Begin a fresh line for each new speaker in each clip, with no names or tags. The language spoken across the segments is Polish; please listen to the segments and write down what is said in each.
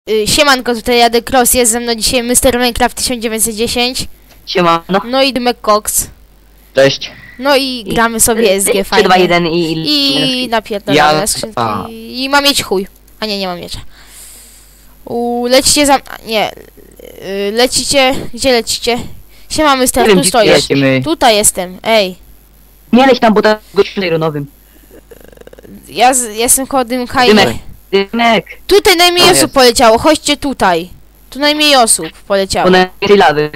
Siemanko, tutaj Jadek Cross, jest ze mną dzisiaj Mr. Minecraft 1910.
Siemano.
No i Dymek Cox.
Cześć.
No i gramy sobie SG
3,
fajnie.
2, 1
I napierdolone skrzynki. I mam mieć chuj. A nie, nie mam miecza. Lecicie za... Nie. Lecicie... Gdzie lecicie? Siema Mr. Tu stoisz.
Lecimy.
Tutaj jestem, ej.
Nie leć tam, bo to gościu ironowym.
Ja jestem koło Dymka i...
Dymek. Dymek.
Tutaj najmniej
O,
osób
jest.
poleciało, chodźcie tutaj. Tu najmniej osób poleciało.
Bo na tej lawy.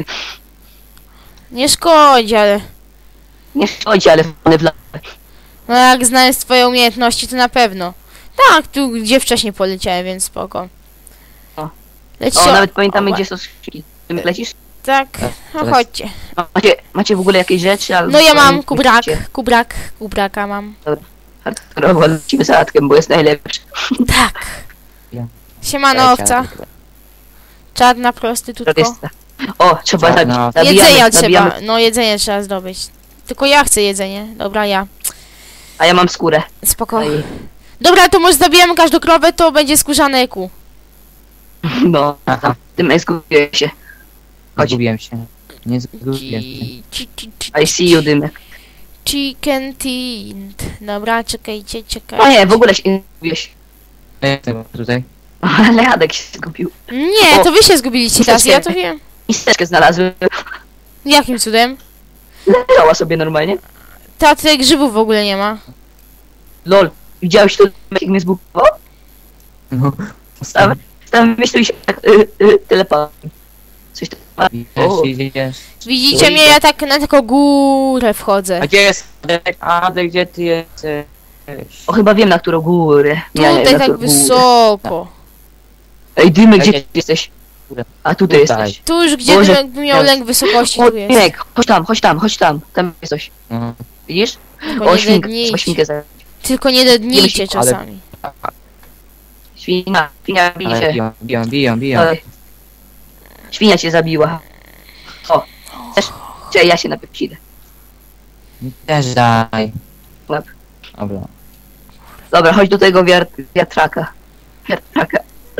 Nie szkodzi, ale...
Nie szkodzi, ale one w lawę.
No jak znając twoje umiejętności, to na pewno. Tak, tu gdzie wcześniej poleciałem, więc spoko.
O.
Lecicie...
O, nawet pamiętamy, gdzie są skrzynki. Dymek, lecisz?
Tak, no
teraz.
chodźcie.
Macie w ogóle jakieś rzeczy? Albo
No ja mam
Macie?
kubraka mam.
Hardkorowo lecimy zaradkiem, bo jest najlepszy.
Tak.
Ja.
Siemano owca. Czarna prostytutko.
Prostysta. O, trzeba
Czarna.
zabić.
Jedzenia
Zabijamy.
trzeba, no jedzenie trzeba zdobyć. Tylko ja chcę jedzenie, dobra ja.
A ja mam skórę.
Spoko.
Ej.
Dobra, to może zabijemy każdą krowę, to będzie skórzane eku.
No,
Aha.
Dymek, zgubiłem się. Chodź.
Zgubiłem się. Nie zgubiłem się.
I see you, Dymek.
Chicken tint. Dobra, czekajcie.
O nie, w ogóle się nie zgubiłeś.
Jestem tutaj.
Ale Jadek się zgubił.
Nie,
O,
to wy się zgubiliście teraz, ja to wiem.
Misteczkę znalazłem.
Jakim cudem?
Leżała sobie normalnie.
Ta tutaj grzybów w ogóle nie ma.
Lol, widziałeś to, jak mnie zbukował?
No.
Stałem myślał się tak, telepatem. Coś tam.
Idziesz.
Widzicie mnie, ja tak na taką górę wchodzę.
A gdzie jest Adek? Adek, gdzie ty jesteś?
O, chyba wiem, na którą górę.
Tutaj
na
tak
którą górę.
wysoko.
Ej, Dymek, gdzie
Ej,
ty jesteś? A tutaj
Tutaj.
jesteś.
Tu już gdzie
Boże,
Dymek by miał lęk wysokości,
O,
tu jest.
Dymek, chodź tam. Tam jest coś.
No.
Widzisz?
Tylko
O,
nie
świnkę,
dednijcie.
świnkę zabić.
Tylko nie dednijcie
Ale-
czasami.
Świnia bije
Ale
się.
biją.
Oj. Świnia cię zabiła. O, też. Czekaj, ja się najpierw idę.
Mi też daj.
Łap.
Dobra.
Dobra, chodź do tego wiatraka. Wiatraka.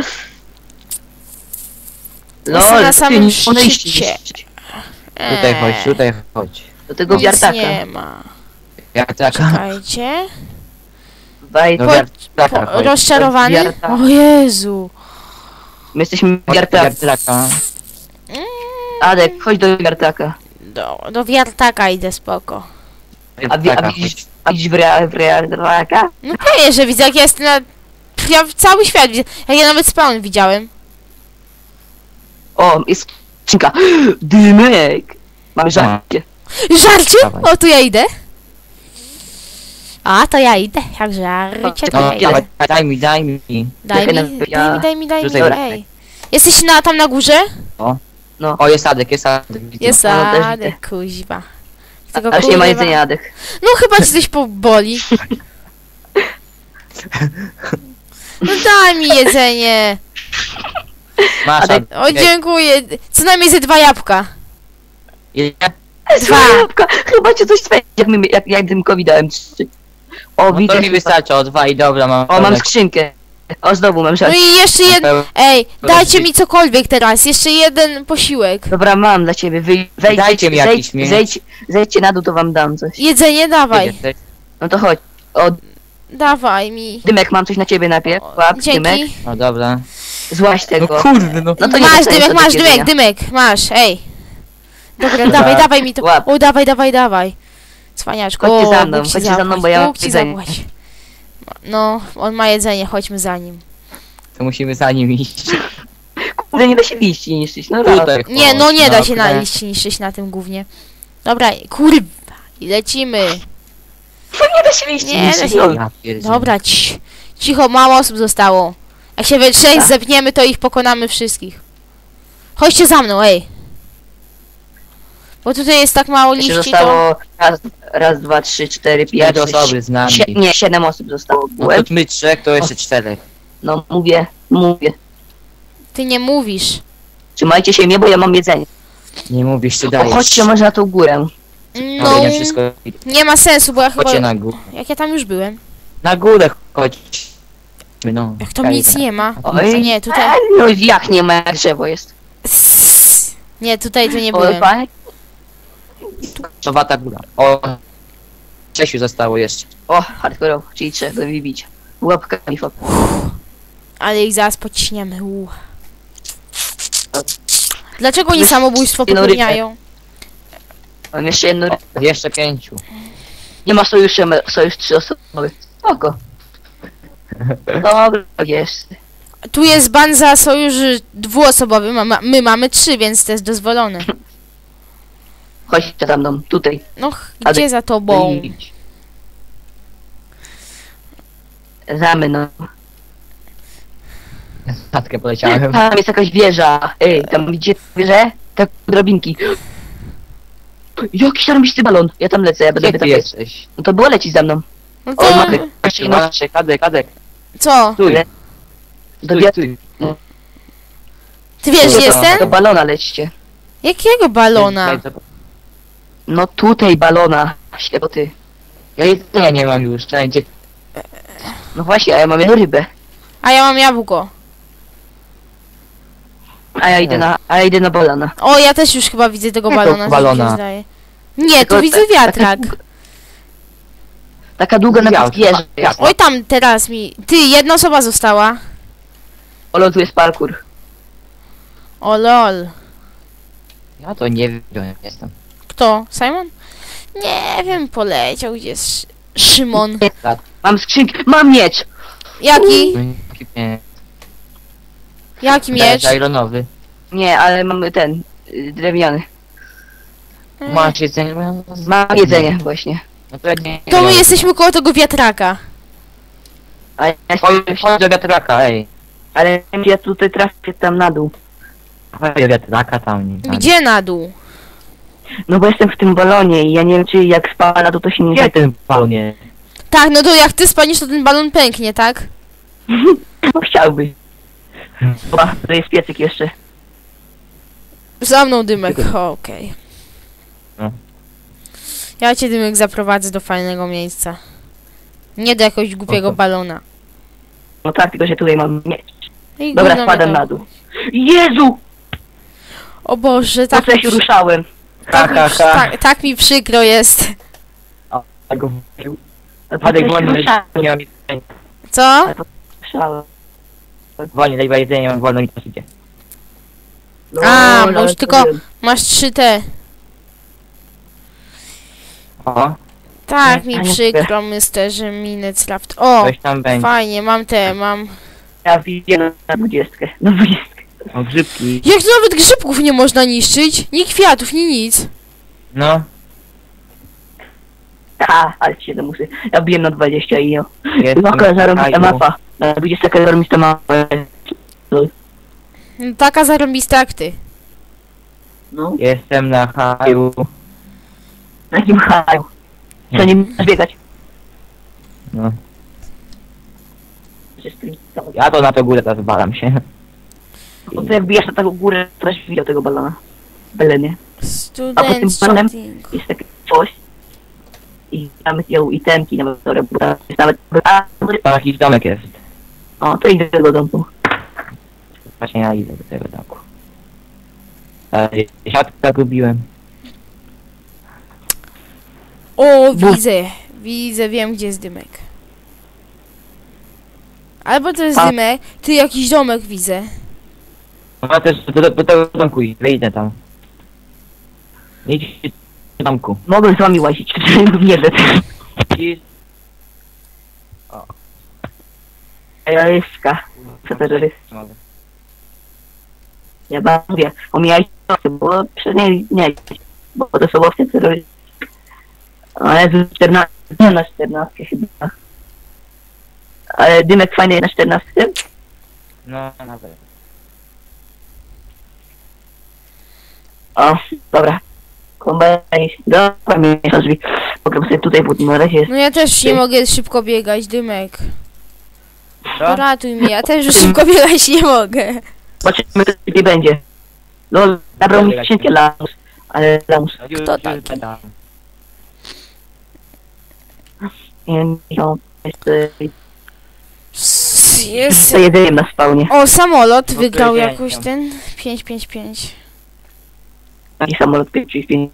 Jestem na samym
ty nie podejście
szczycie.
jeszcze.
Tutaj chodź.
Do tego
Nic
wiatraka.
nie ma.
Jak taka?
Czekajcie.
Wejdź.
No
Po-
wiatraka chodź.
Rozczarowany?
Wiarta.
O Jezu.
My jesteśmy
Chodź do
wiatraka.
wiatraka.
Adek, chodź do wiatraka.
Do wiartaka idę, spoko.
A widzisz wiatraka?
No pewnie, że widzę, jak ja jestem na... Ja cały świat widzę. Jak ja nawet spawn widziałem.
O, jest skrzynka. Dymek. Mamy żarcie.
Żarcie?
Dawaj.
O, tu ja idę. A, to ja idę. Jak żarcie, to
No,
ja idę.
dawaj, daj mi.
Daj mi,
ja-
daj mi,
Dobra.
ej. Jesteś tam na górze?
No.
O, jest Adek.
Jest
No, też
Adek, kuźwa. Tego
Aż nie ma
kurwa-
jedzenia, Adek.
No chyba ci coś poboli. No daj mi jedzenie.
Masz
Adek.
Adek.
O, dziękuję. Co najmniej ze 2 jabłka.
Ile?
Dwa.
Jabłka. Chyba cię coś spędzi, jak Dymkowi dałem 3. O,
No
widzę.
to mi wystarczy o 2 i dobra, mam.
O, mam skrzynkę. O, znowu mam
No
żarcie.
i jeszcze jeden... Ej, dajcie mi cokolwiek teraz. Jeszcze jeden posiłek.
Dobra, mam dla ciebie.
Dajcie mi jakiś mięs.
Zejdźcie na dół, to wam dam coś.
Jedzenie dawaj.
No to chodź. O,
Dawaj mi.
Dymek, mam coś na ciebie najpierw. Łap, Dymek.
Dzięki.
No dobra.
Złaś
No
tego.
kurde, no.
No to nie
Masz
dostajesz
Dymek,
sobie
masz
jedzenia.
Dymek, masz, ej. Dobra,
Dobra.
dawaj mi to.
Łap.
O, dawaj. Cwaniaczku.
Chodźcie
O,
za mną,
Bóg ci
chodźcie za mną,
zapłać,
bo ja mam
Bóg ci
jedzenie.
zapłać. No, on ma jedzenie, chodźmy za nim.
To musimy za nim iść.
Kurde, nie da się liści niszczyć. No raz.
Tutaj
Nie,
chodź,
no nie da się
okej.
na liście niszczyć na tym gównie. Dobra, kurwa. I lecimy.
Nie da się liści
Nie da
niszczyć.
się.
No.
Ja pierdzielę.
Dobra, cicho, mało osób zostało. Jak się we trzech
Tak.
zepniemy, to ich pokonamy wszystkich. Chodźcie za mną, ej. Bo tutaj jest tak mało
Jeszcze
liści, to...
zostało raz, 2, 3, 4, 5,
Pięć osoby z nami.
Nie, 7 osób zostało.
No to my 3, to jeszcze 4.
No mówię.
Ty nie mówisz.
Trzymajcie się mnie, bo ja mam jedzenie.
Nie mówisz, ty
O,
dajesz.
chodźcie może na tą górę.
No,
Nie wszystko.
nie ma sensu, bo ja chyba...
Chodźcie na górę.
Jak ja tam już byłem.
Na górę chodź. No.
Jak tam nic nie ma.
Oj,
Nie, tutaj...
No jak nie ma, jak drzewo jest.
Nie, tutaj to nie
O,
byłem.
fajnie.
To wata góra. O. 6 zostało jeszcze.
O, hardcore, czyli trzeba go wybić. Łapkami fok.
Ale ich zaraz pociśniemy. Dlaczego oni samobójstwo
Jedną rybę.
popełniają?
Mam jeszcze jedno.
Jeszcze 5.
Nie ma sojuszu, sojusz 3 osoby. Spoko. Dobra, jest.
Tu jest ban za sojusz dwuosobowy, my mamy 3, więc to jest dozwolone.
Chodźcie za mną, tutaj.
No, gdzie za tobą?
Idź. Za mną.
Statkę poleciałem.
Tam jest jakaś wieża. Ej, tam widzicie wieżę? Tak, drabinki. Jakiś zarąbisty balon. Ja tam lecę, ja będę
Gdzie ty
tam
jesteś?
No to było lecić za mną.
No
O,
to...
mamy.
Kadek.
Co?
Stój.
Do
Stój.
Ty wiesz, gdzie
to-
jestem?
Do balona lećcie.
Jakiego balona?
No tutaj balona. Ślepoty.
Ja jedzenia nie mam już. Gdzie?
No właśnie, a ja mam jedną rybę.
A ja mam jabłko.
A ja idę na balona.
O, ja też już chyba widzę tego
Jakiego
balona.
balona?
coś mi się zdaje. Nie,
Tylko
tu widzę wiatrak.
Taka długa nawet
Wiatr,
wieża jest.
wiatr.
Oj, tam teraz mi... Ty, jedna osoba została.
O, tu jest parkour.
O lol.
Ja to nie wiem, jestem.
Kto? Simon? Nie wiem, poleciał gdzie jest Szymon.
Mam skrzynkę, mam miecz!
Jaki?
Nie.
Jaki miecz?
Ironowy.
Nie, ale mamy ten, drewniany.
Masz jedzenie?
Mam jedzenie właśnie.
No to ja nie.
To my jesteśmy koło tego wiatraka.
A ja,
Chodź do wiatraka, ej.
ale ja tutaj trafię tam na dół.
Chodź do wiatraka tam.
Gdzie na dół?
No bo jestem w tym balonie i ja nie wiem czy jak spada na dół to się nie
Gdzie ten balonie?
Tak, no to jak ty spanisz, to ten balon pęknie, tak?
No chciałbyś. Chyba, to jest piecyk jeszcze.
Za mną Dymek, okej.
No.
Ja cię Dymek zaprowadzę do fajnego miejsca. Nie do jakiegoś głupiego
Oho.
balona.
No tak, tylko że tutaj mam miecz.
I
Dobra,
gówno
spadam
mnie
na
to-
dół. Jezu!
O Boże,
Tak,
tak,
co ja się ruszałem.
tak mi przykro jest.
Tak go
Po co
Padek
ja się
wolny,
ruszałem?
nie mam jedzenia.
Co?
Ruszałem.
Wolnie, daj jedzenie, mam wolno mi to idzie.
A,
No,
bo już
ale
tylko-
to wiem.
Masz 3T.
O,
Tak
Nie,
mi
a nie
przykro, Mr. Minecraft. O,
coś tam będzie.
fajnie, mam.
Ja widzę na 20. Na 20.
O, grzybki.
Jak to nawet grzybków nie można niszczyć? Ni kwiatów, ni nic.
No,
Ale się to muszę. Ja biję na 20 i jo.
jestem
Jaka
w
zarąbista
kraju.
mapa. Na 20 jaka zarąbista mapa.
No, taka zarąbista jak ty.
No,
Jestem na haju.
na jakim haju. Co nie możesz biegać?
No. Ja to na to górę teraz walam się.
Bo to jak bijesz na taką górę, to też widział tego balona. Belenie.
Student
panem-
shooting.
Jest takie coś. I tam ją i temki nawet, które jest nawet...
Tam jakiś domek jest.
O, to idę do tego domku.
Właśnie ja idę do tego domku. Siatkę gubiłem.
O, widzę, wiem gdzie jest Dymek. Albo to jest
A.
Dymek, ty jakiś domek widzę.
No też do tego domku idę tam. Idź do domku.
Mogę z wami łazić, nie wiem. Terroryska. Co terrorysta?
Mogę.
Ja mówię, omijaj owce, bo przynajmniej nie, bo to są owce terrorysty. Ale z 14, nie na 14 chyba. Ale Dymek fajny na 14?
No, nawet.
O, dobra. Kombajn, dobra, mnie drzwi. Mogę sobie tutaj, bo na razie jest...
No ja też nie mogę szybko biegać, Dymek.
Co?
Ratuj mnie, ja też już szybko biegać nie mogę.
Zobaczymy, co tutaj będzie. No, zabrał mi skrzynkę lamus, ale lamus.
Kto taki?
Nie wiem, jest...
Jest.
za jedzeniem na spawnie.
O, samolot
No to
wygrał
ja
jakoś
nie
ten 555.
Taki samolot 535.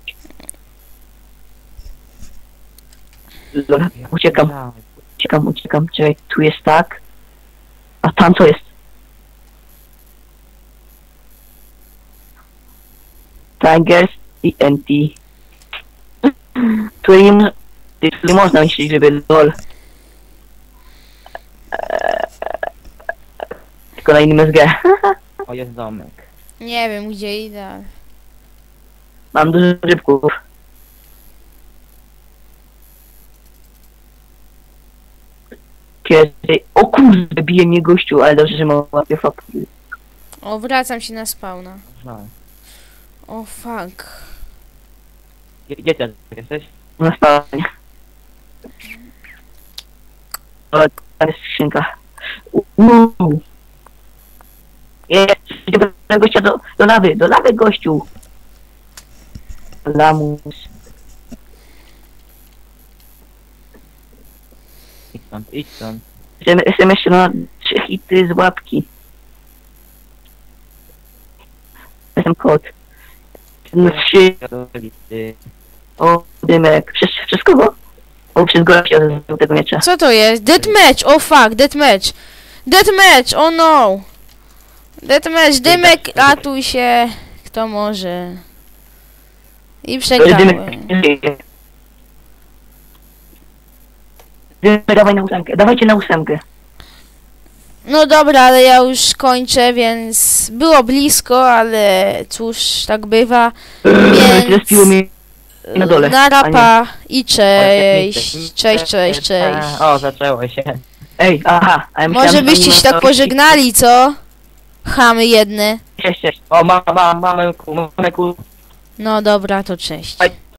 Dobra, uciekam. Czekaj, tu jest tak. A tam co jest? Tigers i NT. Tu nie można myśleć, żeby lol. Tylko na innym SG.
O, jest domek.
Nie wiem gdzie idę. Ale...
Mam dużo rybków. Kiedy... O kurde, bije mnie gościu, ale dobrze, że mam łapie fapki.
O, wracam się na spawna.
No.
O, fuck.
Gdzie ty jesteś?
Na spawnie. O, tam jest skrzynka. Jest, do gościa do lawy gościu. Lamus.
Idź stąd.
Jestem jeszcze na 3 hity z łapki. Jestem kot. No 3. O, dymek. Przez kogo? O, przez gościa z tego miecza.
Co to jest? Deathmatch! O fuck, deathmatch! Deathmatch! Oh no! Deathmatch, dymek, ratuj się! Kto może? I przegrałem.
Dymek, dawaj na 8. Dawajcie na 8.
No dobra, ale ja już kończę, więc było blisko, ale cóż, tak bywa.
Zrespiło mnie na dole.
Na rapa i cześć. Cześć.
O, zaczęło się.
Ej, aha. A ja
Może
myślałem, że
byście
oni
się
mają-
tak pożegnali, co? Chamy jedne.
Cześć.
O, mamy kół.
No dobra, to cześć.
Dawaj,